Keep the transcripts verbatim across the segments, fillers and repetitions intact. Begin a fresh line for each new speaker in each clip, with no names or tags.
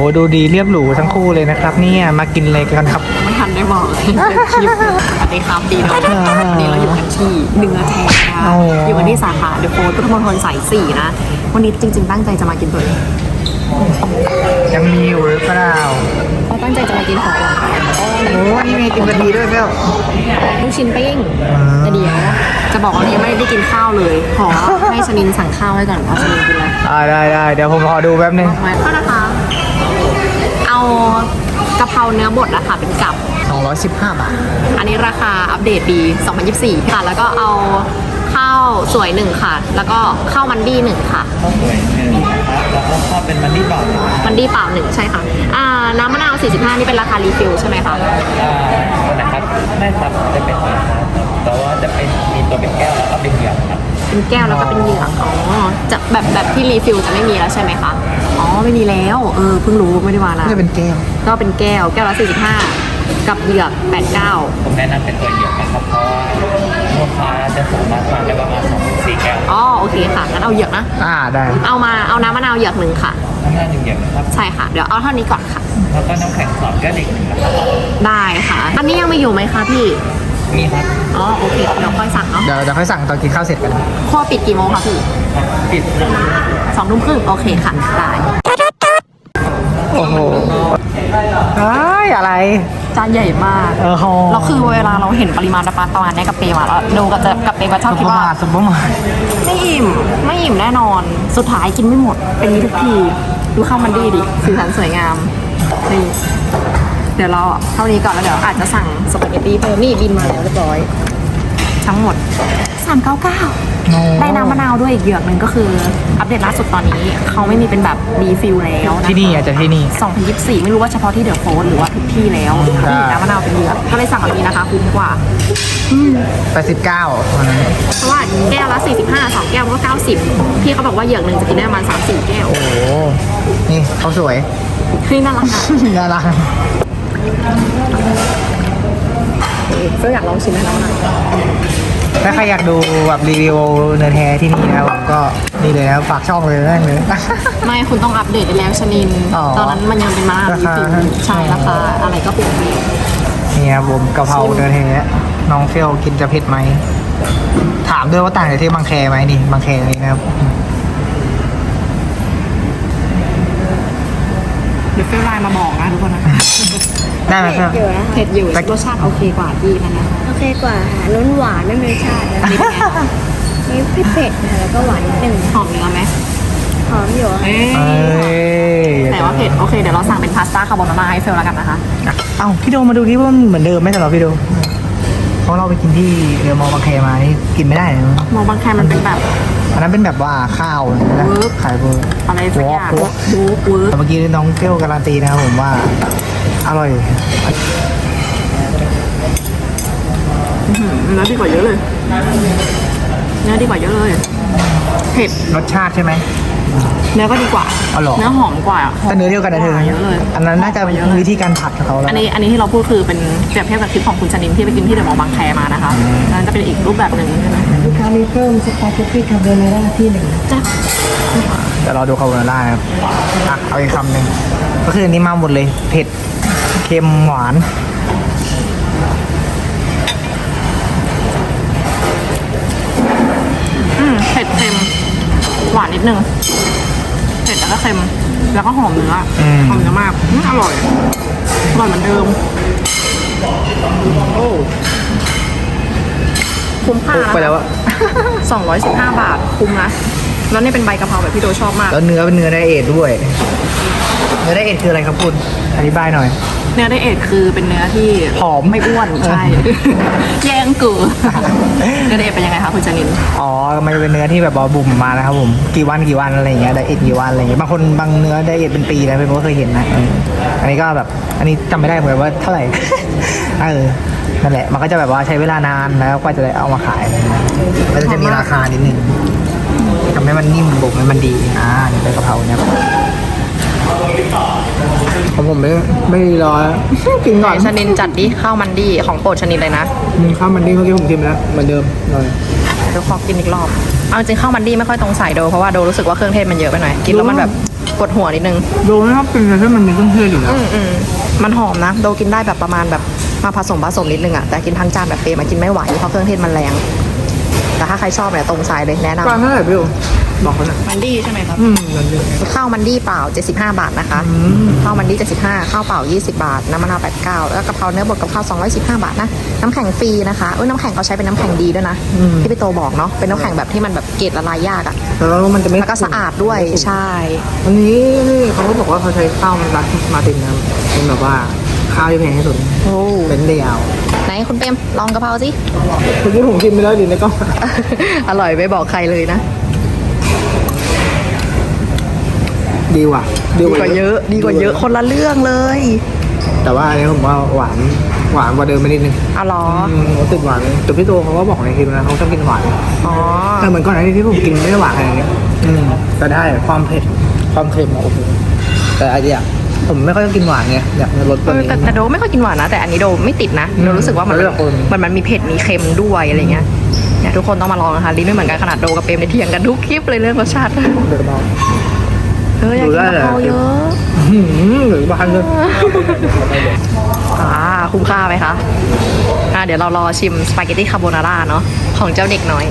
ดูดีเรียบหรูทั้งคู่เลยนะครับเนี่ยมากินอะไรกันครับ
ไม่ทันได้บอกเลยคลิปสวัสดีครับดีนะวันนี้เราอยู่กันที่เนื้อแท้นะคะอยู่กันที่สาขาเดอะโฟร์พุทธมณฑลสายสี่นะวันนี้จริงๆตั้งใจจะมากินตัวนี้
ยังมีอยู่หรือเปล่า
เราตั้งใจจะมากินของหวาน
โอ้นี่มีกินกะทิด้วยเปล่า
ลูกชิ้นปิ้งแต่เดี๋ยวจะบอกว่ายังไม่ได้กินข้าวเลยขอให้ชนินสั่งข้าวให้ก่อนเอาชนินกินเลย
อ่าได้ได้เดี๋ยวผมขอดูแป๊บนึง
ก็นะคะเอากะเพราเนื้อบดนะคะเป็นกับ
สองร้อยสิบห้าบาท
อันนี้ราคาอัปเดตปีสองพันยี่สิบสี่ค่ะแล้วก็เอาข้าวสวยหนึ่งค่ะแล้วก็ข้าวมันดี้หนึ่งค่ะ
ข้าวสวยหนึ่งนะครับแล้วก็ข้าวเป็นมันดี้เปล่า
มันดี้เปล่าหนึ่งใช่ค่ะอ่าน้ำมะนาวสี่สิบห้านี่เป็นราคารีฟิลใช่ไหมคะ
อ่านะครับไม่ครับจะเป็นราคาแต่ว่าจะเป็นมีตัวเป็นแก้วแล้วก็เป็นเหยือกครับ
เป็นแก้วแล้วก็เป็นเหยือกอ๋อจะแบบแบบที่รีฟิลจะไม่มีแล้วใช่ไหมคะอ๋อไม่มีแล้วเออเพิ่งรู้ไม่ได้ว่านะ
จะเป็นแก้ว
ก็เป็นแก้วแก้วละสี่สิบห้ากับเหยือกแปดเก้า
ผมแนะนำเป็นตัวเหยือกนะครับเพราะว่าลูกค้าจะสามารถทานได้ประมาณสองถึงสี่แก้ว
อ๋อโอเคค่ะงั้นเอาเหยือกนะ
อ่าได้
เอามาเอาน้ำมะนาวเหยือกหนึ่งค่ะ
น้ำมะนาวหนึ่งเหยือกนะครับ
ใช่ค่ะเดี๋ยวเอาเท่านี้ก่อนค่ะ
แล้วก็น้ำแข็งสองแก้วหนึ่งนะครับ
ได้ค่ะอันนี้ยังไม่อยู่ไหมคะพี่
มีครับ
อ๋อโอเคเดี๋ยวค่อยสั่งเนาะ
เดี๋ยวเดี๋ยวค่อยสั่งตอนกินข้าวเสร็จกัน
ข้อปิดกี่โมงคะพี่
ปิด
สองทุ่มครึ่งโอเคค่ะได้
โอ้โหอะไร
จานใหญ่มาก
เออโห
เราคือเวลาเราเห็นปริมาณปลาประมาณนี้กับเปมาแล้วดูกับจะกับเปก็ชอบคิดว่า
สมบูรณ์
ไม่อิ่มไม่อิ่มแน่นอนสุดท้ายกินไม่หมดเป็นนี้ทุกทีดูข้าวมันดีดิสีสันสวยงามนี่เดี๋ยวเราเท่านี้ก่อนแล้วเดี๋ยวอาจจะสั่งสปาเกตตี้เพิ่มนี่บินมาแล้วเรียบร้อยทั้งหมดสามร้อยเก้าสิบเก้าได้น้ำมะนาวด้วยอีกเหยือกหนึ่งก็คืออัปเดตล่าสุดตอนนี้เขาไม่มีเป็นแบบรีฟิลแล้ว
ที่นี่อาจจะที่นี่
สองพันยี่สิบสี่ไม่รู้ว่าเฉพาะที่เดอะโฟร์หรือว่าทุกที่แล้วนี่น้ำมะนาวเป็นเหยือกก็เลยสั่งแบบนี้นะคะคุ้มกว่า
แปดสิบเก้า
เพราะว่าแก้วละสี่สิบห้าสองแก้วก็เก้าสิบพี่เขาบอกว่าเหยือกหนึ่งจะกินได้ประมาณสามสี่แก้ว
โอ้โหนี่เขาสวย
นี่น่ารัก
น่ารัก
ก็อยากลองชิมแล้วนะ
ถ้าใครอยากดูแบบรีวิวเนื้อแท้ที่นี่นะครับผมก็นี่เลยนะฝากช่องเลยนั่นเลย
ไม่คุณต้องอัปเดตไปแล้วชนินตอนนั้นมันยังเป็นมะนาวรีฟิลใช่ราคาอะไรก็เปลี่ยนไป
นี่ครับผมกะเพราเนื้อแท้น้องเฟลกินจะเผ็ดไหมถามด้วยว่าต่างจากที่บางแคไหมนี่บางแคนี่นะครับ
เดี๋ยวเฟลไลน์มาบอกนะทุกคนนะ
ได้ไหมครับ
เผ็ดอยู่รสชาติโอเคกว่าที่นั่นนะ
โอเคกว่าค่ะล้นหวานไม่มีรสชาตินะนี่เผ็ดเผ็ดนะแล้วก็หวานนิดนึง
หอมเนื้อไหม
หอมอยู่
แต่ว่าเผ็ดโอเคเดี๋ยวเราสั่งเป็นพาสต้าคาโบนาร่าให้เฟลแล้วกันนะคะ
เอ้าพี่โดมาดูที่ว่าเหมือนเดิมไหมสำหรับพี่โดเพราะเราไปกินที่เรือมอบางแคมานี่กินไม่ได้เลย
มอบางแคมันเป็นแบบ
อันนั้นเป็นแบบว่าข้าวนะขายเบอร์
อะไรสักอย่างดูกู
แต่เมื่อกี้น้องเปรี้ยวการันตีนะครับผมว่าอร่อย
เนื้อดีกว่าเยอะเลยเนื้อดีกว่าเยอะเลยเผ็ด
รสชาติใช่ไหม
เนื้อก็ดีกว่าเนื้อหอมกว่า
แต่เนื้อเดียวกันนะเธอเยอะเลยอันนั้นน่าจะวิธีการผัดของเขาแล้ว
อันนี้อันนี้ที่เราพูดคือเป็นเปรียบเทียบกับคลิปของคุณชนินที่ไปกินที่เดอะมอลล์บางแคมานะคะนั่นจะเป็นอีกรูปแบบหนึ่งใช่ไหม
ลูกค้ามีเพิ่มสปาเกตตี้คาโบนาร่าที่หนึ่ง
จ้ะ
เดี๋ยวเราดูคาโบนาร่าครับอ่ะเอาอีกคำหนึ่งก็คืออันนี้มาหมดเลยเผ็ดเค็มหวาน
อืมเผ็ดเค็มหวานนิดนึงเผ็ดแล้วก็เค็มแล้วก็หอมเนื้อหอมเนื้อมากอร่อยอร่อยเหมือนเดิมโอ้คุ้มค่า
ไปแล้วอะ
สองร้อยสิบห้าบาทคุ้มนะแล้วนี่เป็นใบกะเพราแบบพี่โดชอบมาก
แล้วเนื้อเป็นเนื้อไดเอทด้วยเนื้อไดเอทคืออะไรครับคุณอธิบายหน่อย
เนื้อไดเอทคือเป็นเนื้อที่
ผอม
ไม่อ้วนใช่แย่งกูเนื้อไดเอทเป็นยังไงคะคุณจนิน
อ๋อมันเป็นเนื้อที่แบบบอบุ่มมานะครับผมกี่วันกี่วันอะไรอย่างเงี้ยไดเอทกี่วันอะไรอย่างเงี้ยบางคนบางเนื้อไดเอทเป็นปีนะเป็นก็เคยเห็นนะอันนี้ก็แบบอันนี้จำไม่ได้เหมือนว่าเท่าไหร่เออนั่นแหละมันก็จะแบบว่าใช้เวลานานแล้วกว่าจะได้เอามาขายมันจะมีราคานิดนึงทำให้มันนิ่มบุกมันดีอ่านี่เป็นกะเพราเนี่ยของผมไม่ไม่รอกินก่อน
ชนินจัดดิข้าวมันดีของโปรดชนินเลยนะ
ข้าวมันดีเมื่อกี้ผมชิมแล้วเหมือนเดิมเลย
เดี๋ยวขอกินอีกรอบเอาจริงข้าวมันดีไม่ค่อยตรงสายโดเพราะว่าโดรู้สึกว่าเครื่องเทศมันเยอะไปหน่อยกินแล้วมันแบบปวดหัวนิดนึง
โดไม่ชอบกินเลยที่มันมีเครื่องเทศอยู่แล้ว
อืมอืมมันหอมนะโดกินได้แบบประมาณแบบมาผสมผสมนิดนึงอะแต่กินทั้งจานแบบเปรย์มันกินไม่ไหวเพราะเครื่องเทศมันแรงแต่ถ้าใครชอบเนี่ยตรงสายเลยแนะนำ
จานเท่าไหร่พี่โอบอกเขาหน่อย
มันดีใช่ไหมครับ
อืมนั่นเอง
ข้าวมันดีเปล่าเจ็ดสิบห้าบาทนะคะ
อืม
ข้าวมันดีเจ็ดสิบห้าข้าวเปล่ายี่สิบบาทน้ำมะนาวแปดสิบเก้าแล้วกะเพราเนื้อบดกับข้าวสองร้อยสิบห้าบาทนะน้ำแข็งฟรีนะคะเอ้ยน้ำแข็งเขาใช้เป็นน้ำแข็งดีด้วยนะที่พี่โตบอกเนาะเป็นน้ำแข็งแบบที่มันแบบเกล็ดละลายยากอะ
แล้วมันจะไม่
แล้วก็สะอาดด้วยใช่
อันนี้นี่เขาก็บอกว่าเขาใช้ข้าวรัดมาตินนะเป็นแบบว่าข้าวที่แพงที่สุด
โอ้
เป็นเดียว
ไหนคุณเปรมลองกะเพราสิ
คุณที่ผมกินไปแล้วดิในกล้อง
อร่อยไม่บอกใครเลยนะ
ดีว่ะ
ดีกว่าเยอะ ดีกว่าเยอะคนละเรื่องเลย
แต่ว่าอันนี้ผมว่าหวานหวานกว่าเดิมไปนิดนึง
อ๋อเหรอ
อืมติดหวานแต่พี่โตเขาก็บอกในคลิปนะเขาชอบกินหวาน
อ๋อ
แต่เหมือนก่อนหน้านี้ที่ผมกินไม่ได้หวานขนาดนี้อืมแต่ได้ความเผ็ดความเค็มอะโอ้โหแต่ไอเดียผมไม่ค่อยกินหวานไงอยากรสตัวนี้
แต่แต่โดไม่ค่อยกินหวานนะ แต่อันนี้โดไม่ติดนะโดรู้สึกว่ามัน
แล้วแต่คน
มันมันมีเผ็ดมีเค็มด้วยอะไรเงี้ยเนี่ยทุกคนต้องมาลองนะคะลิ้นไม่เหมือนกันขนาดโดกับเปรมในยเถียงกันทุกคลิปเลยเรื่องรสชาติ
เดี๋ยวมา
เอออยากกินกะเพราเยอะ
หืมหรือบานเลย
อ่าคุ้มค่าไหมคะอ่าเดี๋ยวเรารอชิมสปาเกตตี้คาโบนาร่าเนาะของเจ้าเด็กน้อย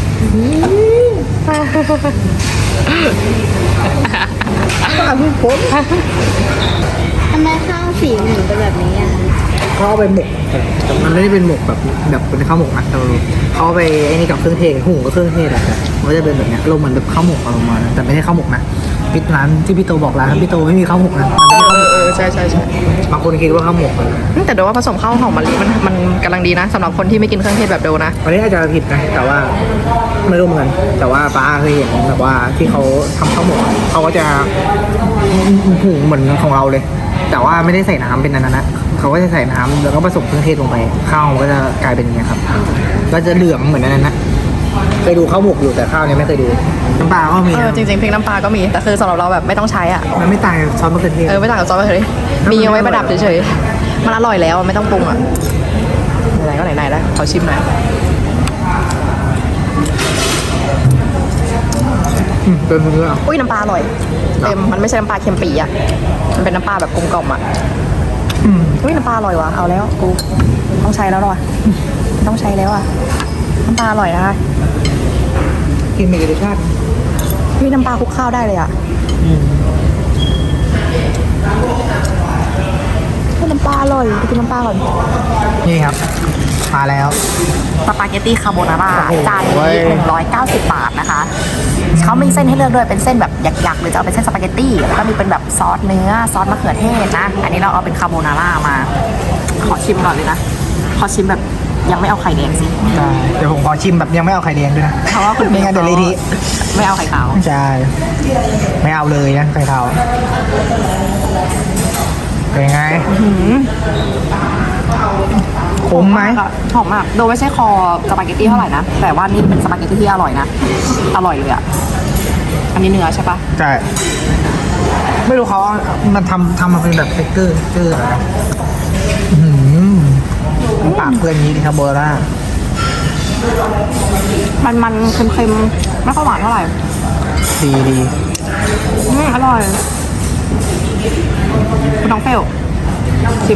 ทำไมข้าวสีเหมือนเป็นแบบนี้อ่ะ
เขาเอาไปหมกแต่มันไม่ได้เป็นหมกแบบแบบเป็นข้าวหมกนะแต่เขาเอาไปไอ้นี่กับเครื่องเทศหุงกับเครื่องเทศอะมันก็จะเป็นแบบเนี้ยลงเหมือนแบบข้าวหมกออกมาแต่ไม่ใช่ข้าวหมกนะพี่ร้านที่พี่โตบอกร้านพี่โตไม่มีข้าวหมกนะมันไม่ใช่ข้าวหมก
เออใช่ใช่ใช่
บางคนคิดว่าข้าวหมกเลย
แต่โดว่าผสมข้าวหอมมะลิมันมันกำลังดีนะสำหรับคนที่ไม่กินเครื่องเทศแบบโดนะ
อันนี้อาจจะผิดนะแต่ว่าไม่รู้เหมือนกันแต่ว่าป้าเคยเห็นแบบว่าที่เขาทำข้าวหมกอะเขาก็จะหุงเหมือนของเราเลย แต่ว่าไม่ได้ใส่น้ำเป็นนั้นนะเขาก็จะใส่น้ำแล้วก็ผสมเครื่องเทศลงไปข้าวมันก็จะกลายเป็นอย่างนี้ยครับ ก็จะเหลืองเหมือนนั้นนะเคยดูข้าวหมกอยู่แต่ข้าวเนี่ยไม่เคยดูน้ำปลาก็มี
เออ
นะ
จริงๆพริกน้ำปลาก็มีแต่คือสำหรับเราแบบไม่ต้องใช้อ่ะ
มันไม่ต่างจากซอสมะเขือเทศ
เออไม่ต่างกับซอสมะเขือเทศมีเอาไว้ประดับเฉยๆมันอร่อยแล้วไม่ต้องปรุงอ่ะไหนๆก็ไหนๆแล้วขอชิมหน่อย
อืมเป็นเนื้อ
อุ้ยน้ำปลาอร่อยเต็มมันไม่ใช่น้ำปลาเค็มปีอ่ะมันเป็นน้ำปลาแบบกลมกล่อมอ่ะ
อืม
อุ้ยน้ำปลาอร่อยว่ะเอาแล้วกูต้องใช้แล้วหรอวะต้องใช้แล้วอ่ะน้ำปลาอร่อยนะคะ
กินมีรสชาติ
อุ้ยน้ำปลาคลุกข้าวได้เลยอ่ะ
อืม
อุ้ยน้ำปลาอร่อยไปกินน้ำปลาก่อน
นี่ครับมาแล้ว
สปาเกตตี้คาโบนาร่า
โอ้โห
จานนี้หนึ่งร้อยเก้าสิบบาทนะคะเขามีเส้นให้เลือกด้วยเป็นเส้นแบบหยักๆหรือจะเอาเป็นเส้นสปาเกตตี้แล้วก็มีเป็นแบบซอสเนื้อซอสมะเขือเทศนะอันนี้เราเอาเป็นคาโบนาร่ามา ขอชิมก่อนเลยนะขอชิมแบบยังไม่เอาไข่แดงสิ
ใช่เดี๋ยวผมขอชิมแบบยังไม่เอาไข่แดงด้วยนะ
เพราะว่าคุณ
ไม่งั้นเดี๋ยวเละที
ไม่เอาไข่ขาว
ใช่ไม่เอาเลยนะไข่ขาวเป็นไงคุ้มไหม
หอมมากโดยไม่ใช่คอสปาเกตตี้เท่าไหร่นะแต่ว่านี่เป็นสปาเกตตี้ที่อร่อยนะอร่อยเลยอ่ะอันนี้เนื้อใช่ปะ
ใช่ไม่รู้เขาเอามันทำทำมาเป็นแบบเทคเกอร์เกอร์อะไรนะอื้อหือมันปากเพื่อนนี้คาโบนาร่า
มันมันๆเค็มๆไม่ค่อยหวานเท่าไหร่
ดีดี
อืมอร่อยคุณน้องเฟลชิม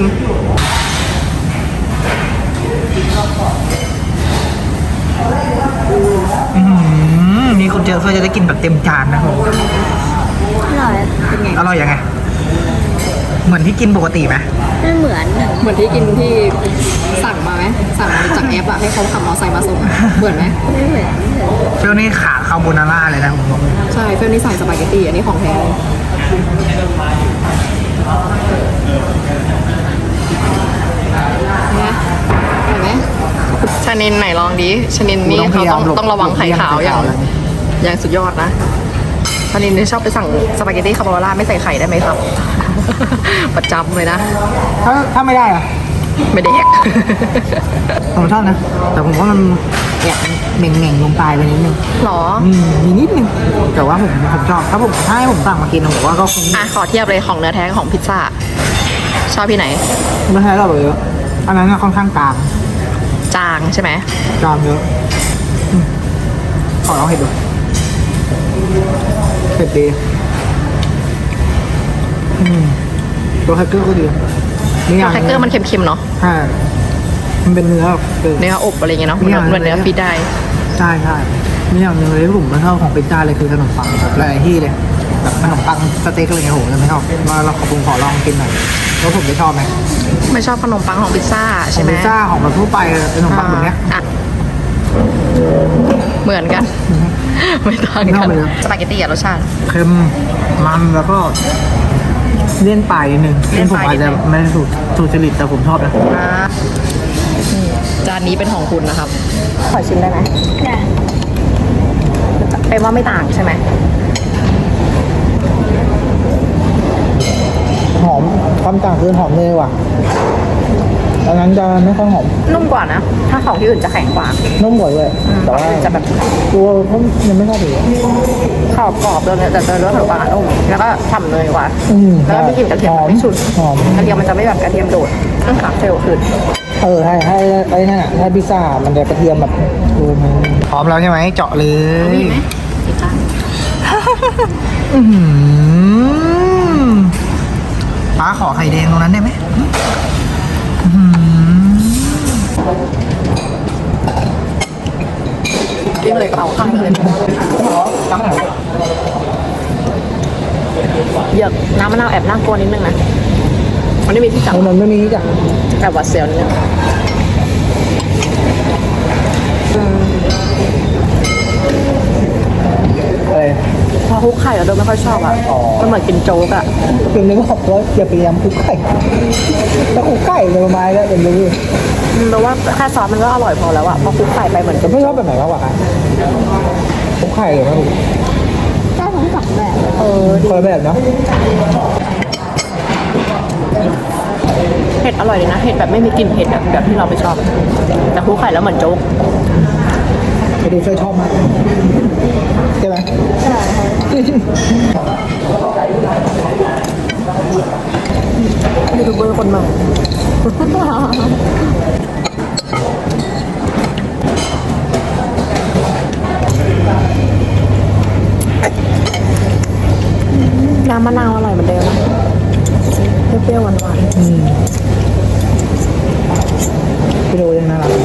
อืมนี่คุณเจอเพื่อจะได้กินแบบเต็มจานนะผม
อร่อย
เป็นไง
อร่อยยังไง เหมือนที่กินปกติไหม
ไม่เหมือน
เหมือนที่กินที่สั่งมาไหมสั่งมาจากแอปอะให้เขาขับมอเตอร์ไซค์มาส่งอะเหมือนไหม
ไม่เหมือน
เฟลนี่ขาคาโบนาร่าเลยนะผมบอกเลย
ใช่เฟลนี่ใส่สปาเกตตี้อันนี้ของแท้เลยนะเห็นไหมชานินไหนลองดิชานินนี่เขาต้องต้องระวังไข่ขาวอย่างอย่างสุดยอดนะชานินนี่ชอบไปสั่งสปาเกตตี้คาโบนาร่าไม่ใส่ไข่ได้ไหมครับ ประจำเลยนะ
ถ้าถ้าไม่ได้อะ
ไม่ได้แยก
ผมชอบนะ แต่ผมว่ามันแอบเหม่งเหม่งๆลงปลายไปนิดนึง
หรอ
อืมมีนิดนึงแต่ว่าผมผมชอบถ้าผมถ้าให้ผมสั่งมากินผมว่าก็คง
อ่ะขอเทียบเลยของเนื้อแท้กับของพิซซ่าชอบที่ไหน
ไม่ใช่เราเยอะอันนั้นน่ะค่อนข้างกลาง
จางใช่ไหม
กลางเยอะอืมขอลองเห็ดดูเผ็ดดีอืมตัวแฮกเกอร์ก็ดีนี่อย่าง
แครกเกอร์มันเค็มๆเนาะ
ใช่มันเป็นเนื้อเออ
เนื้ออบอะไรเงี้ยเนาะ
ไม่
เหมือน
เอา
เหมือนเนื้อฟีดได้
ใช่ใช่มีอย่างหนึ่งเลยที่ผมไม่ชอบของพิซซ่าเลยคือขนมปังแบบหลายที่เลยแบบขนมปังสเต็กอะไรเงี้ยโหจะไม่ชอบมาเราขอผมขอลองกินหน่อยแล้วผมจะชอบไหม
ไม่ชอบขนมปังของพิซซ่า
ขอ
ใช่
ง
ไหม
พิซซ่าของแบบทั่วไปเลยขนมปังแบบเนี้ย
อ่ะเหมือนกัน ไม่ต่าง
ไม่
กั
เอา
น
เลยนะ
สปาเกตตี้อะรสชาติ
เค็มมันแล้วก็เลี่ยนปลายนิดนึง
เลี่
ซึ่
ย
ง
น
ผ
ป
ม
ลาย
อาจจะ
นิดนึง
ไม่ได้สูตรสูตรจริตแต่ผมชอบนะ
อ่านี่จานนี้เป็นของคุณนะครับ ขอชิมได้ไหม
ได้
เป็นว่าไม่ต่างใช่ไหม
หอมความต่างคือหอมเนยว่ะอันนั้นจะไม่ค่อยหอม
นุ่มกว่านะ ถ้าของที่อื่นจะแข็งกว่า
นุ่มกว่าด้วยแต่ว่า
จะแบบ
ตัวเขายังไม่ชอบเลย
ขอบกรอบๆเลยแต่เจอเนื้อขนมปังอะนุ่มแล้วก็ฉ่ำเนยกว่า
อืม
แล้วก็มีกลิ่นกระเทียม
หอม
ไม่ฉุน
หอม
กระเทียมมันจะไม่แบบกระเทียมโดดต้องขาเซลล์ขึ้น
เออให้ให้ไอ้นั่นอ่ะถ้าพิซซ่ามันจะกระเทียมแบบดูมันพร้อมแล้วใช่ไหมเจาะเลย
มีไหมอีกจาน
อื้อหือป้าขอไข่แดงตรงนั้นได้ไหมอื้อหือ
กินเลยเอาข้างเลย
ตั้งไหน
เหยือกน้ำมะนาวแอบน่ากลัวนิดนึงนะมันไม่มีที่จับ
มันไม่มีจ้ะ
แอบหวัดเสียวนิดนึงอืม
อะไร
พอคลุกไข่แล้วโดยไม่ค่อยชอบอ่ะ
อ๋อ
มันเหมือนกินโจ๊กอ่ะ
เป็นเรื่องของว่าอย่าพยายามคลุกไข่ถ้าคลุกไข่เลยประมาณแล้วเดี๋ยวรู้
อืมแปลว่าแค่ซอสมันก็อร่อยพอแล้วอ่ะพอคลุกไข่ไปเหมือน
แต่ไม่ชอบแบบไหนมากกว่ากันคลุกไข่เลยมั้ง
ได้ทั้งสองแบบ
เออ
คนละแบบเนาะ
เผ็ดอร่อยเลยนะเผ็ดแบบไม่มีกลิ่นเผ็ดแบบแบบที่เราไปชอบ แต่คลุกไข่แล้วเหมือนโจ๊ก
ไปดูช่วยชอบมากใช่ไหม
ใช่
ยูทูบเบอร์คนใหม่ น้ำมะนาวอร่อยเหมือนเดิมนะเปรี้ยวๆหวาน
อืมพี่ดูยังน่ารัก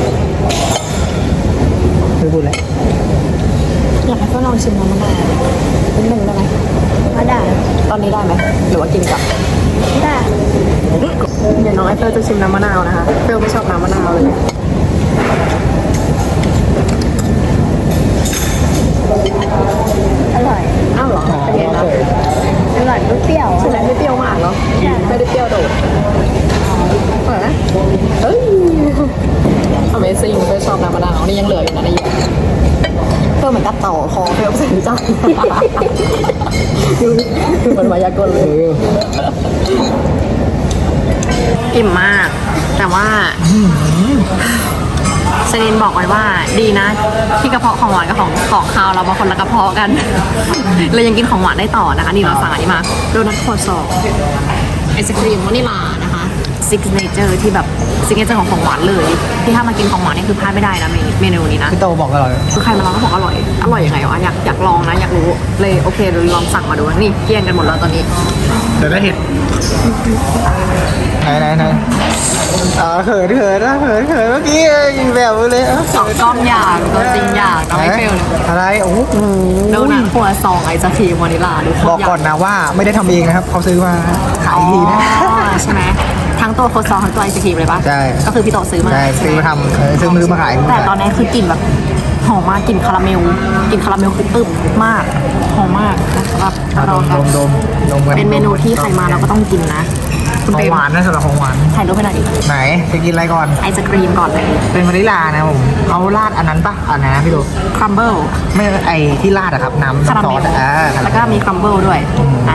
ไม่พูดแล้ว
ๆอยากให้ก็ลองชิมน้ำมะนาวนิดนึงได้ไหม
ก็ได้
ตอนนี้ได้ไหมหรือว่ากินกับ
ได้
เดี๋ยวน้องไอเฟลจะชิมน้ำมะนาวนะคะเฟลไม่ชอบน้ำมะนาวเลย
อร่อย
อ้าวเหรอ
อ่า
เป็นไง
โอ
คะ
เค
อร่อยเปรี้ยว
ใช่ไหมไม่เปรี้ยวมากเนาะไม่ได้เปรี้ยวโดดอร่อยไหมเฮ้ย Amazing เฟลชอบน้ำมะนาวนี่ยังเหลืออยู่นะในหยดเฟลเหมือนกับต่อคอเฟลใส่จ้าดูดูเหมือนมายากลเล
เอย อ
อิ่มมาก แต่ว่าเซนินบอกไว้ว่าดีนะ ที่กระเพาะของหวานกับของของคาวเราบางคนละกระเพาะกัน เลยยังกินของหวานได้ต่อนะคะนี่เราสั่งอันนี้มาโดนัทครัวซองไอศครีมวานิลานะคะซิกเนเจอร์ที่แบบซิกเนเจอร์ของของหวานเลย ที่ถ้ามากินของหวานนี่คือพลาดไม่ได้นะเมนูเมนูนี้นะ
พี่โตบอกอร่อย
คือใครมาลองก็บอกอร่อย อร่อยยังไงวะอยากอยากลองนะอยากรู้เลยโอเคเดี๋ยวลองสั่งมาดูนี่เกลี้ยงกันหมดแล้วตอนนี้
เดี๋ยวได้เห็ดไหนไหนไหนอ่าเขินเขินนะเขินเขินเมื่อกี้ยิงแบบเลยอ่ะ
สองกล้องอยากตัวจริงอยากน้องไอเฟล
อะไรโอ้โห
โดนัทครัวซองไอศครีมวานิลาดู
บอกก่อนนะว่าไม่ได้ทำเองนะครับเขาซื้อมาขาย
อ๋
อีกทีนะ
อใช่ไหมทั้งตัวโครัวซองทั้งตัวไอศครีมเลยปะ
ใช่
ก็คือพี่โตซื้อมา
ใช่ซื้อมาทำเออซื้อซื้อมาขาย
แต่ตอนนี้คือกลิ่นแบบหอมมากกลิ่นคาราเมลกลิ่นคาราเมลคือตึบมากหอมมากนะครับ
อ่ะด
เรา
ม
กั
ด
น
มดมดมกั
เป็นเมนูที่ใครมาเราก็ต้องกินนะคุณ
ขอ
เป
ง
ม
หวานนะสำหรับของหวาน
ถ่ายรูปให้หน่อยดิ
ไหนจะกินอะไรก่อน
ไอศครีมก่อนเลย
เป็นวานิลานะผมเขาราดอันนั้นปะอันไหนนะพี่ดู
ครัมเบิล
ไม่ไอที่ราดอะครับน้ำ
คารา
น้ำซอ
เม
ส
ล
อะอ่า
แล้วก็มีครัมเบิลด้วยนะ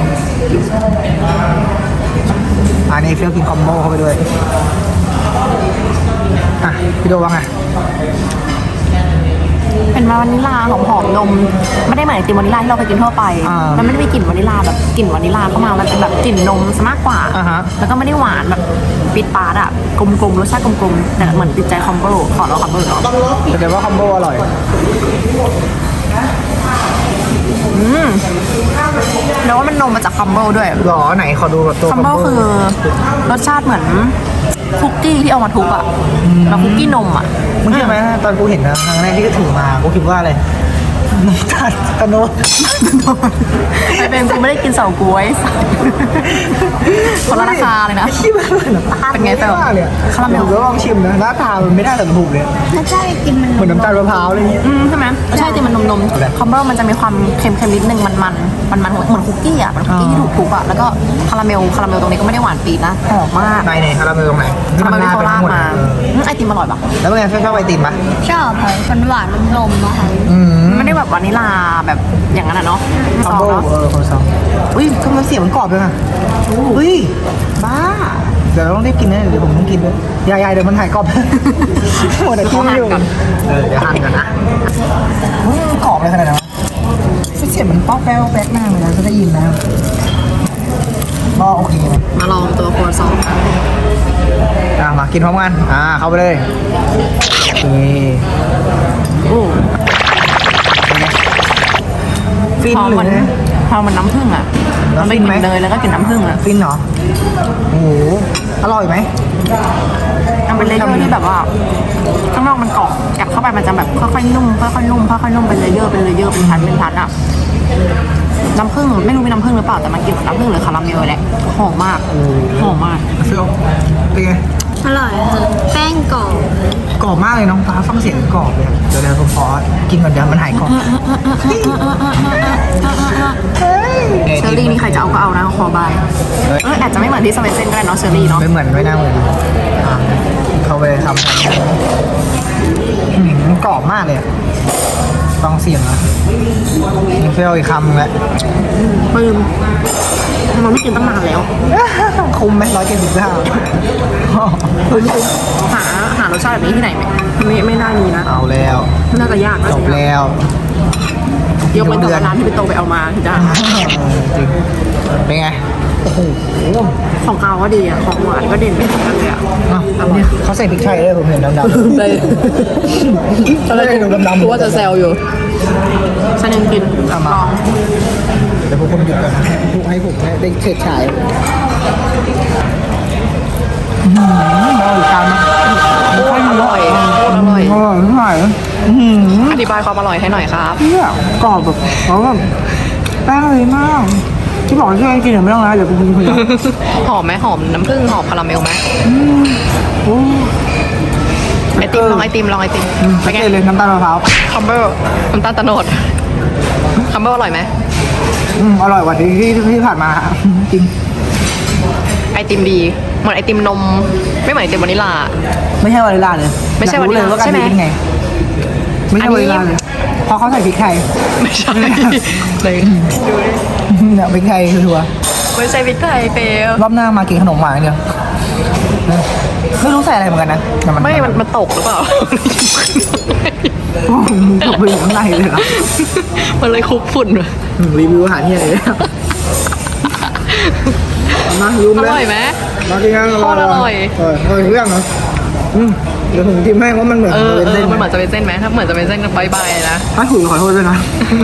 อันนี้เฟี้ยวกินคอมโบเข้าไปด้วยอ่ะพี่ดูว่าไง
เป็นว่าวานิลลาหอมหอมนมไม่ได้เหมือนไอติมวานิลลาที่เราเคยกินทั่วไป
อ่ามั
มันไม่ได้มีกลิ่นวานิลลาแบบกลิ่นวานิลลาเข้ามามันเป็นแบบกลิ่นนมซะมากกว่า
อ่าฮะ
แล้วก็ไม่ได้หวานแบบปิดปาดอะกลมๆรสชาติกลมๆแต่เหมือนติดใจคอมโบขอเราคอมโบเนาะ
แสดงว่าคอมโบอร่อย
อืมแล้วว่ามันนมมาจากคอมโบด้วย
หรอไหนขอดูแบบตัว
คอมโบคือรสชาติเหมือนคุกกี้ที่เอามาทุบอะแล้วคุกกี้นมอะ
มึงเชื่อไหมตอนกูเห็นนะครั้งแรกที่ก็ถือมากูคิดว่าอะไรน้ำตาลตะโนด
ไอเป็นกูไม่ได้กินเสาก๊วยคนละราคาเลยนะ
ขี้บ้าเลยเหรอ
เป็นไงเฟล
ม่ด้เลยอะ
คาราเมล
ผมก็ลองชิมนะหน้าตามันไม่ได้แต่ถูกเลย
ถ้าใช่กินมัน
เหมือนน้ำตาลมะพร้าวอะไรอย่างเงี้ย
อืมใช่ไหมใช่จริงมันนมนม
อะไร
คอมโบมันจะมีความเค็มๆนิดนึงมันมันมันมันเหมือนคุกกี้อ่ะเหมือนคุกกี้ที่ถูกทุบอ่ะแล้วก็คาราเมลคาราเมลตรงนี้ก็ไม่ได้หวานปีดนะหอมมาก
ในในคาราเมลตรงไหน
คาราเมลที่เขาลากมา
เออ
อืมไอติมอร่อยปะ
แล้วเป็นไงชอบไอติมปะ
ชอบค่ะมันหวานนมๆนะคะ
อืม
ไม่ได้แบบวานิลลาแบบอย่างนั้นอ่ะเนาะ
คอ
ซ
ม
อง
โบ
เนาะ
เออคอมซองอุ้ยทำไมเสียงมันกรอบเลยอ่ะอุ้ยบ้าเดี๋ยวเราต้องรีบกินนะเดี๋ยวผมต้องกินด้วยยายๆเดี๋ยวมันหายกรอบ หมดแต่ที่ไม่อยู่เออเดี๋ยวหั่นกันนะอุ้ยมันกรอบเลยขนาดนั้นวะเสียงมันป๊อกแป๊กแป๊กมากเลยนะจะได้ยินนะก็โอเคนะ
มาลองตัวครัวซองกัน
อ่ะมากินพร้อมกันอ่าเข้าไปเลยโอเค
โอ้
เป็นไงฟิน
พอ
หรื
มัน
อไง
พอมันน้ำผึ้งอ่ะ
แล้ว
มัน
ฟิ
ไม่
น
ก
ไหม
ลิ่นเนยแล้วก็กลิ่นน้ำผึ้งอ่ะ
ฟินเหรอโอ้โหอร่อยไหม
มันเป็นเลเยอร์ที่แบบว่าข้างนอกมันกรอบกัดเข้าไปมันจะแบบค่อยๆนุ่มค่อยๆนุ่มค่อยๆนุ่มเป็นเลเยอร์เป็นเลเยอร์เป็นชั้นเป็นชั้นอ่ะน้ำผึ้งไม่รู้มีน้ำผึ้งหรือเปล่าแต่มันกลิ่นเหมือนน้ำผึ้งหรือคาราเมลแหละหอมมากหอมมาก
เฟี้ยวเป็นไง
อร่อยค่ะแป้งกรอบ
กรอบมากเลยน้องฟ้าฟังเสียงกรอบเลยอะเดี๋ยวเดี๋ยวผมขอกินก่อนเดี๋ยวมันหายกรอบ
เชอร์รี่นี่ใครจะเอาก็เอานะคอบายเอออาจจะไม่เหมือนที่สเปนเซนก็ได้เนาะเชอร์รี่เนาะ
ไม่เหมือนไม่น่าเหมือนอ่ะเข้าไปทำทำอืมมันกรอบมากเลยอะฟังเสียงอะเฟี้ยวอีกคำแล้ว
ปึ้มมันไม่กินตั้งนานแล้ว
คุ้มไหมร้อยเจ็ดสิบเก้า
หาหารสชาติแบบนี้ที่ไหนไหมไม่ไม่น่ามีนะ
เอาแล้ว
น่าจะยากนะ
จบแล้ว
ยกเว้นแต่ว่าร้านที่ไปโตไปเอามาถึงจะ
จริงเป็นไงโอ้โห
ของเขาก็ดีอ่ะของหวานก็เด่นไปเหมือนกันเลยอ่ะ
อ่ะเนี่ยเขาใส่พริกไทยด้วยผมเห็นดำๆ
ได้
เขาเลยดูดำๆ
กูว่าจะแซวอยู่ฉันยังกิน
เอามา
ลอง
เดี๋ยวพวกคุณหยุดก่อนนะให้ผมได้เฉิดฉายอืมเอาอีกคำนะ
อร่อยอร่อย
อร่อยไม่ไหวอืม
อธิบายความอร่อยให้หน่อยครับ
เนี่ยกรอบแบบเขาแบบแป้งเลยมากที่บอกช่วยกินเดี๋ยวไม่ต้องนะเดี๋ยวกูกินคนเดียว
หอมไหมหอมน้ำผึ้งหอมคาราเมลไหม
โอ้
ไอติมลองไอติมลองไอติม
ไป
เป็นไง
เลยน้ำตาลมะพร้าว
คัมเบอร์น้ำตาลตะโนดคัมเบอร์อร่อยไหม
อืมอร่อยกว่าที่ที่ที่ผ่านมาจริง
ไอติมดีเหมือนไอติมนมไม่เหมือนไอติมวานิลลา
ไม่ใช่วานิลลาเลย
ไม่ใช่
อยกรู้เลย
วานิลลา
ว่าการ
ใช่ไหม
ดีเป็นไง ไม่ใช่
อัน
วา
นี้
นิลลาเลยเพราะเขาใส่พริกไทย
ไม่ใช่เลย
เนี่ยพริกไทยชัวร์
ไม่ใช่พริกไทยเฟล
รอบหน้ามากินขนมหวานอย่างเดียวไม่รู้ใส่อะไรเหมือนกันนะแต่มัน
ไม่มันมันตกหรือเปล่า
โอ้โหมึงตกไปอยู่ข้างในเลยเหรอ
มันเลยคลุกฝุ่นมา
อืมรีวิวอาหารที่ไหนเลยมาลุม
อ
เลย
ร่อยไหม
มากินกัน
โคตรอร่อย
เอออร่อยทุกอย่างเหรออืมเดี๋ยวผมทิมให้ว่ามันเหมือน
เออ
เป็น
เอ
เส้
อน มันเหมือนจะเป็นเส้นไหมถ้าเหมือนจะเป็นเส้นก็บายบายนะ
ถ้าถูกขอโทษด้วยนะ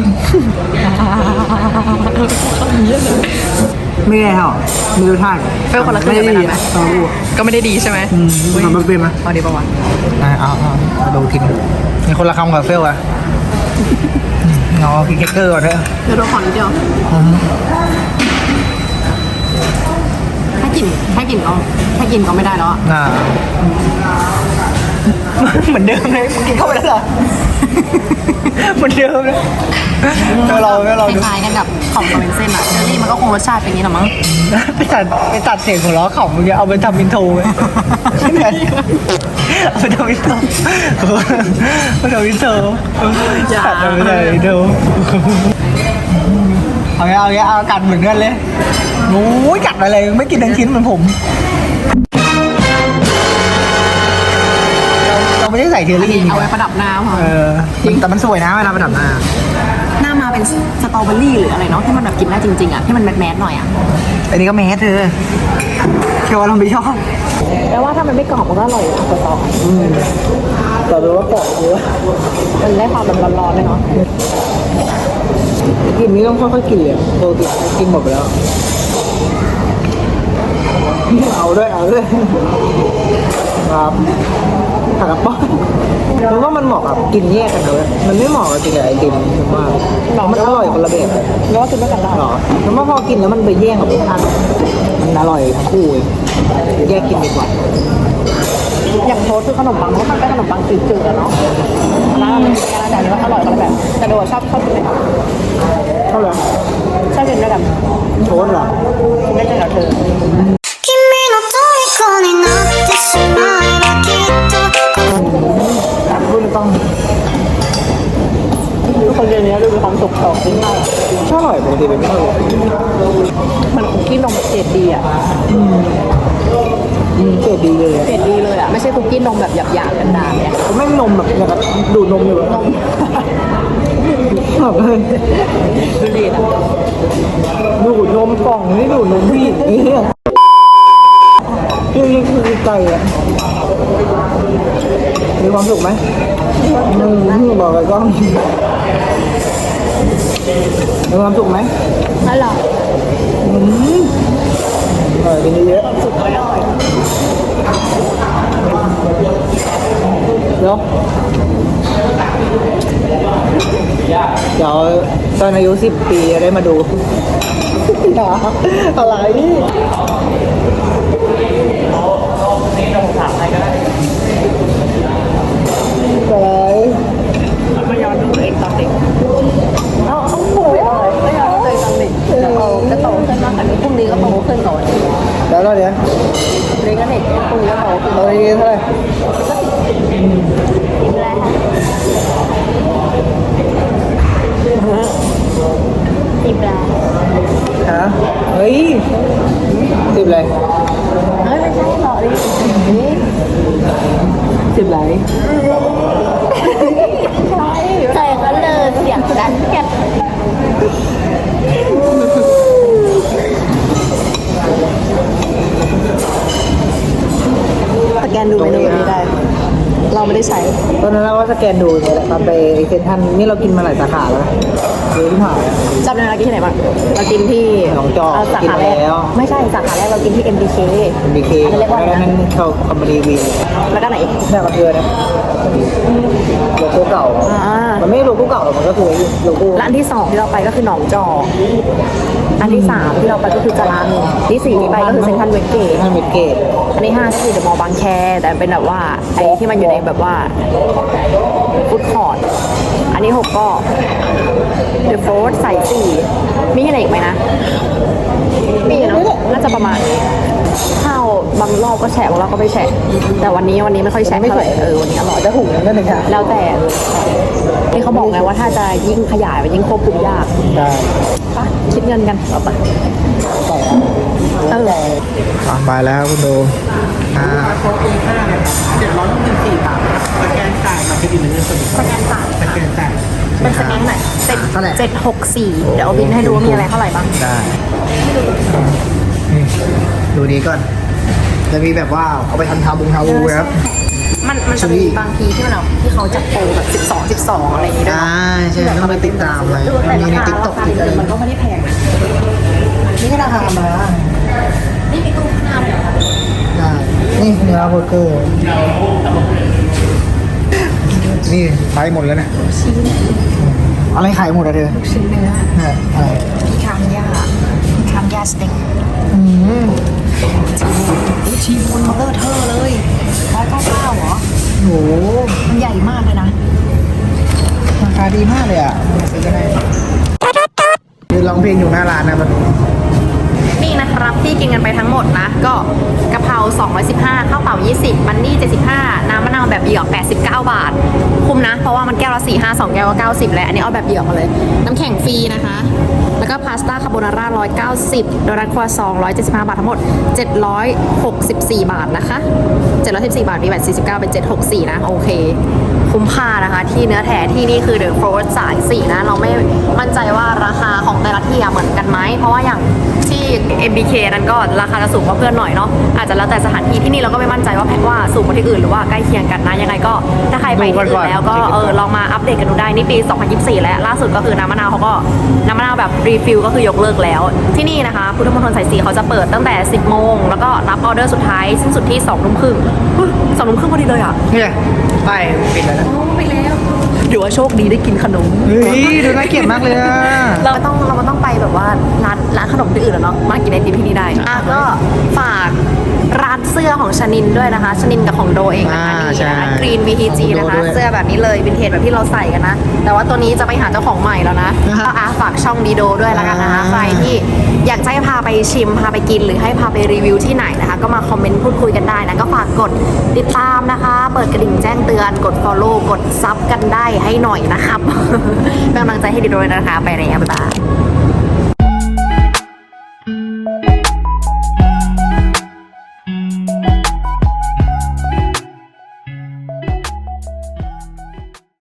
ไม่ได้หรอไม่รู้ท่า
เฟลคนละครึ่ง
ไม่
กัน
ได้
ไป
ดี
นะไหม
อะตอนรู้
ก็ไม่ได้ดีใช่ไหม
อืมทำมันเป็นไหม
พอดีปะวะ
อ่าเอาเอาเอาดูกินมีคนละคำกับเฟลอะเอากินเค้กเกอร์ก่อนเถอะ
เดี๋ยวเราขอนิดเดียว
อืม
ถ้ากินถ้ากินก็ถ้ากินก็ไม่ได้แล้วอะ
อ่าเหมือนเดิมเลยมึงกินเข้าไปแล้วเหรอเหมือนเดิมเลยเดี๋ยวเราเดี๋ยวเรา
ค
ดู
ล้ายๆกันกับของกับเป็นเส้นอะเชอรี่มันก็คงรสชาติเป็นอย่างนี้หรอมั้ง
ไปตัดไปตัดเสียงของล้อเขาเมื่อกี้เอาไปทำอินโทรไว้ใช่ไหมเอาไปทำอินโทรไปทำอินโทรตัดเอาไปเลยอินโทรเอาไงเอาไงเอากัดเหมือนกันเลยโอ้ยกัดอะไรไม่กินทั้งชิ้นเหมือนผมเราเราไปไม่ได้ใส่เทอ
อัน
รี่
นี้เอาไว้ประดับหน้าค่ะ
เออแต่มันสวยนะเวลาประดับหน้า
หน้ามาเป็นสตรอเบอรี่หรืออะไรเนาะที่มันแบบกินได้จริงๆอ่ะที่มันแมสๆหน่อยอ่ะ
อันนี้ก็แมสเธอแค่ว่าเราไม่ชอบ
แต่ว่าถ้ามันไม่กรอบมันก็อร่อยนะสตรอ
แต่รู้ว่ากรอบเยอะ
มันได้ความแบบร้อนๆเลยเนาะ
กินนี้ต้องค่อยๆกินเลยโปรตีนกินหมดไปแล้วเอาด้วยเอาด้วยครับผักกระป๋องเพราะว่ามันเหมาะกับกินแยกกันนะเว้ยมันไม่เหมาะกับกินกับไอติมผมว่ามันอร่อยคนละแบบ
แล้วก็กินด้วยกันได้
หรอแล้วว่าพอกินแล้วมันไปแย่งกับรสชาติมันอร่อยทั้งคู่เลยแยกกินดีกว่า
อย่างโทสต์คือขนมปังมันก็เป็นขนมปังจืดๆอะเนาะร้านมันมีกันแต่อันนี้มันอร่อยคนละแบบแต่โดยชอบชอบกินด้วยกัน
เท่าไหร่
ชอบกินด้วยกัน
โทษเหรอ
กินได้กันกับเธอ
君の虜になってしまえばきっと
แต่พูดไม่ต้อง
ทุกคนเรียนนี้ดูมีความสุขต่อกินมาก
ชอบอร่อยปกติเป็นไม่ค่อยเลย
มันคุกกี้นมแบบเกรดดีอ่ะ
อืมเกรดดีเลยอะ
เกรดดีเลยอ่ะไม่ใช่คุกกี้นมแบบหยาบๆกันดาเนี่ย
แม่งนมแบบอย่างกับดูดนมอยู่แบบนมแบบเลย
ดูดีนะ
ดูดนมกล่องนี่ดูดนมผู้หญิงนี่เนี่ยนี่คือไก่อะมีความสุขไหมอืมบอกไปก็มีความสุขไหม
อร่อย
อืมอร่อยกินเยอะ
สุดอร่อย
เดี๋ยวเดี๋ยวตอนอายุสิบปีจะได้มาดูอย่าอะไรอะไร
มาย้อนดูตัวเองตอนเด็กเอาเอาโหยไม่ย้อนดูตัวเองตอนเด็กเดี๋ยวเราจะโตขึ้นมากกว่านี้พรุ่งนี้ก็โตขึ้นก่อน
แล้วตอนเนี้ย
เรียนก็เด็กพรุ่งนี้ก็โตขึ้น
ตอนนี้เท่าไหร่
กินแล้วกินแล้ว
ฮะเฮ้ยสิบอะไร
เฮ้ยไม่ใช่หรอกนี่
สิบอะไร
ใช่ก็เลยเสียงดังแก สแกนดูเมนูนี้ได้ เราไม่ได้ใช้
ตอนนั้นเราก็สแกนดูเนี่ยแหละตอนไปเซ็นทรัลนี่เรากินมาหลายสาขาแล้วนะเยอะที่ผ่าน
จำได้ไหมเรากินที่ไหนบ้างเรากินที่
หนองจอก
เสาขาแร
กิน
ก
มาแล้ว
ไม่ใช่สาขาแรกเรากินที่ เอ็ม บี เค
บีเค
อันนั้นเรียกว่าอะไร
แล้ว
นะ
นั้นเขาคอมพานีวี
แล้วก็ไหนอีก
แม่กับเธอนะโลโก้เก่า
อ่า
มันไม่ใช่โลโก้เก่าหรอกมันก็คือโลโก้
และอันที่สองที่เราไปก็คือหนองจอกอันที่สามที่เราไปก็คือจรัญที่สี่ที่ไปก็คือเซ็นทรัลเวสเกต
ท่านเวทเกต
อันที่ห้าก็คือเดอะมอลล์บางแคแต่เป็นแบบว่าไอ้ที่มันอยู่ในแบบว่าฟู้ดคอร์ทอันที่หกก็เดอะโฟร์สายสี่มีอะไรอีกไหมนะ มีเนาะน่าจะประมาณนี้ข้าวบางรอบก็แฉะบางรอบก็ไม่แฉะแต่วันนี้วันนี้ไม่ค่อยแฉะเท่าไหร่เออวันนี้อร่อย
จะถูกนั่นเองค่ะ
แล้วแต่ที่เขาบอกไงว่าถ้าจะยิ่งขยายมันยิ่งควบคุมยาก
ได้
ปะคิดเงินกันเอาปะเออ
ไปแล้วคุณดูอ่า
สแกนจ่ายสแกนจ่ายเป็นสแกนไหนเจ็ดเจ็ดหกสี่เดี๋ยวเอาบินให้ดูว่ามีอะไรเท่าไหร่บ้าง
ได้นี่ดูนี้ก่อน จะมีแบบว่าเอาไปทำทาบุงทาบูครับ
มันมันจะมีบางทีที่มันแบบที่เขาจัดโปรแบบสิบสองสิบสองอะไรอย่างเงี้ยด้วย
อ่าใช่ต้องไปติดตามเลย
แต่
มี
รา
ใน
คา
ติ๊กต็
รา
อก
คาเดิมมันก็ไม่ได้แพงนะ
นี่ก็ราคามา
นี่มีตู้น้ำ
ได้นี่เนื้อเบอร์เกอร์นี่ขายหมดแล้วเนี่ยอะไรขายหมดอะเธอ
ชิ้นเนื้อ
เนี่ยอะไร
พิคานย่าพิคานย่าสเต็ก
อืม
ชีมูนมาเลอร์เทอร์เลยร้อยเก้าเก้าเหรอ
โห
มันใหญ่มากเลยนะ
ราคาดีมากเลยอ่ะซื้อกันได้คือร้องเพลงอยู่หน้าร้านนะมัน
นี่นะครับที่กินกันไปทั้งหมดนะ ก็กะเพราสองร้อยสิบห้าข้าวเปล่ายี่สิบมันนี่เจ็ดสิบห้าน้ำมะนาวแบบเหยือกแปดสิบเก้าบาท คุ้มนะ เพราะว่ามันแก้วละสี่ห้าสองแก้วก็เก้าสิบแล้วอันนี้เอาแบบเหยือกมาเลย น้ำแข็งฟรีนะคะแล้วก็พาสต้าคาโบนาร่าหนึ่งร้อยเก้าสิบโดนัทครัวซองหนึ่งร้อยเจ็ดสิบห้าบาททั้งหมดเจ็ดร้อยหกสิบสี่บาทนะคะเจ็ดร้อยสิบสี่บาทมีแบตสี่สิบเก้าเป็นเจ็ดร้อยหกสิบสี่นะโอเคคุ้มค่านะคะที่เนื้อแท้ที่นี่คือเดอะโฟร์สายสี่นะเราไม่มั่นใจว่าราคาของแต่ละที่อะเหมือนกันไหมเพราะว่าอย่างที่ เอ็ม บี เค นั้นก็ราคาจะสูงกว่าเพื่อนหน่อยเนาะอาจจะแล้วแต่สถานที่ที่นี่เราก็ไม่มั่นใจว่าแพทว่าสูงกว่าที่อื่นหรือว่าใกล้เคียงกันนะยังไงก็ถ้าใครไปที่อื่นแล้วก็เออลองมาอัปเดตกันดูได้นี่ปี สองพันยี่สิบสี่ แล้วล่าสุดก็คือน้ำมะนาวเขาก็น้ำมะนาวแบบรีฟิลก็คือยกเลิกแล้วที่นี่นะคะพุทธมณฑลสายสี่เขาจะเปิดตั้งแต่ สิบโมงแล้วก็รับออเดอร์สุดท้ายสิ้นสุดที่สองทุ่มครึ่งสองทุ่มครึ่งพอดีเลยอ่ะ
เนี่ยไปปิดแล้วนะ
ไปแล้วหรือว่าโชคดีได้กินขนม
เฮ้ยดูน่าเกลียดมากเลยอะ
เราไม่ต้องเราไม่ต้องไปแบบว่าร้านร้านขนมที่อื่นแล้วเนาะมากินไอติมที่นี่ได้อ่ะก็ฝากร้านเสื้อของชนินด้วยนะคะชนินกับของโดเองนะคะ
อ่า
นี่
ใช่
นะคะกรีน วี ที จี นะคะ
โดด้วย
เสื้อแบบนี้เลยวินเทจแบบที่เราใส่กันนะ แต่ว่าตัวนี้จะไปหาเจ้าของใหม่แล้วนะ
อ่า
ก็อ่ะฝากช่องดีโดด้วยละกันนะคะ
อ่า
ใครที่อยากจะให้พาไปชิมพาไปกินหรือให้พาไปรีวิวที่ไหนนะคะ ก็มาคอมเมนต์พูดคุยกันได้นะก็ฝากกดติดตามนะคะ เปิดกระดิ่งแจ้งเตือนกด follow กดซับกันได้ให้หน่อยนะครับ เป็นกำลังใจให้ดีโดด้วยนะคะไปแล้วบ๊ายบาย